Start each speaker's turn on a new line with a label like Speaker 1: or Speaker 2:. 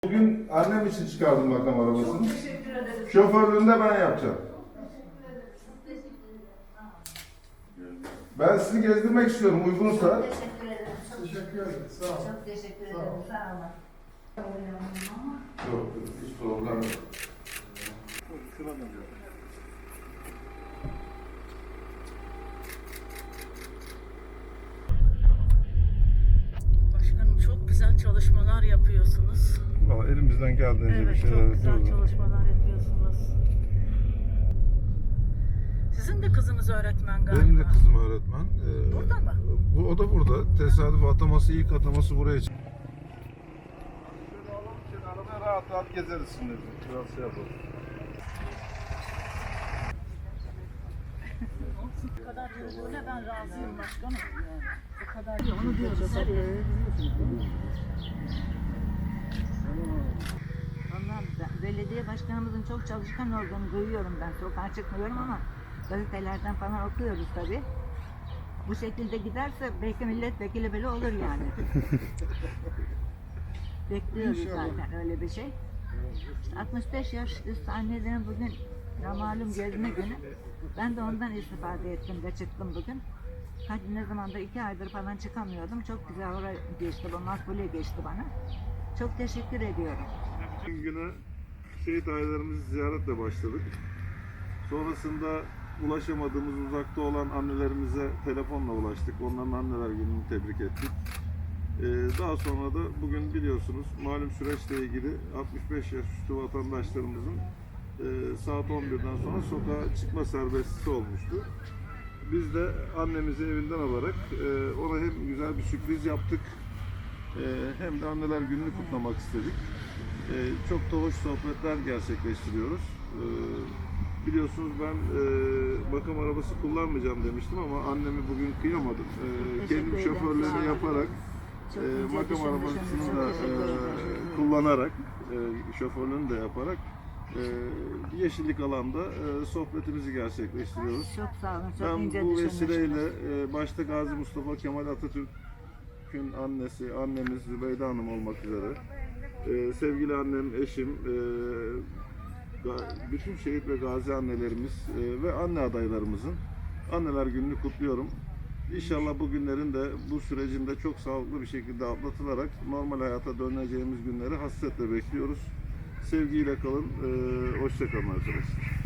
Speaker 1: Bugün annem için çıkardım makam arabasını.
Speaker 2: Çok teşekkür ederim.
Speaker 1: Şoförlüğünü de ben yapacağım. Ben sizi gezdirmek istiyorum uygunsa.
Speaker 2: Çok teşekkür ederim. Çok
Speaker 3: Teşekkür ederim. Sağ olun.
Speaker 2: Çok teşekkür ederim.
Speaker 3: Sağ ol.
Speaker 2: Sağ olun.
Speaker 1: Yok, hiç problem yok.
Speaker 4: Başkanım çok güzel çalışmalar yapıyorsunuz.
Speaker 1: Vallahi elimizden geldiğince bir
Speaker 4: Evet,
Speaker 1: şeyler
Speaker 4: çok güzel
Speaker 1: yapıyoruz.
Speaker 4: çalışmalar yapıyorsunuz. Sizin de kızınız öğretmen galiba.
Speaker 1: Benim de kızım öğretmen.
Speaker 4: Burada mı?
Speaker 1: O da burada. Tesadüf ataması, ilk ataması buraya çıktı. Şöyle alalım, şöyle arabaya rahat rahat gezeriz şimdi. Biraz şey yapalım.
Speaker 4: Bu kadar yürüdüğüne ben razıyım başkanım. Bu kadar onu diyoruz.
Speaker 5: Vallahi belediye başkanımızın çok çalışkan olduğunu duyuyorum ben. Sokağa çıkmıyorum ama gazetelerden falan okuyoruz tabii. Bu şekilde giderse belki milletvekili bile olur yani. Bekliyoruz zaten öyle bir şey. İşte 65 yaş üstü annelerin bugün malum gezme günü. Ben de ondan istifade ettim de çıktım bugün. Hadi ne zamandır 2 aydır falan çıkamıyordum. Çok güzel oraya geçti, bu makbule geçti bana. Çok teşekkür ediyorum.
Speaker 1: Güne şehit ailelerimizi ziyaretle başladık. Sonrasında ulaşamadığımız uzakta olan annelerimize telefonla ulaştık. Onların anneler gününü tebrik ettik. Daha sonra da bugün biliyorsunuz malum süreçle ilgili 65 yaş üstü vatandaşlarımızın saat 11'den sonra sokağa çıkma serbestisi olmuştu. Biz de annemizi evinden alarak ona hem güzel bir sürpriz yaptık hem de anneler gününü kutlamak istedik. Çok da hoş sohbetler gerçekleştiriyoruz. Biliyorsunuz ben makam arabası kullanmayacağım demiştim ama annemi bugün kıyamadım. Kendim şoförlüğünü yaparak makam arabasını da kullanarak şoförlüğünü de yaparak yeşillik alanda sohbetimizi gerçekleştiriyoruz.
Speaker 5: Çok sağ olun, çok
Speaker 1: Ben
Speaker 5: ince
Speaker 1: bu
Speaker 5: düşünmüşsünüz.
Speaker 1: vesileyle başta Gazi Mustafa Kemal Atatürk'ün annesi, annemiz Zübeyde Hanım olmak üzere sevgili annem, eşim, bütün şehit ve gazi annelerimiz ve anne adaylarımızın anneler gününü kutluyorum. İnşallah bu günlerin de bu sürecin de çok sağlıklı bir şekilde atlatılarak normal hayata döneceğimiz günleri hasretle bekliyoruz. Sevgiyle kalın, hoşça kalın arkadaşlar.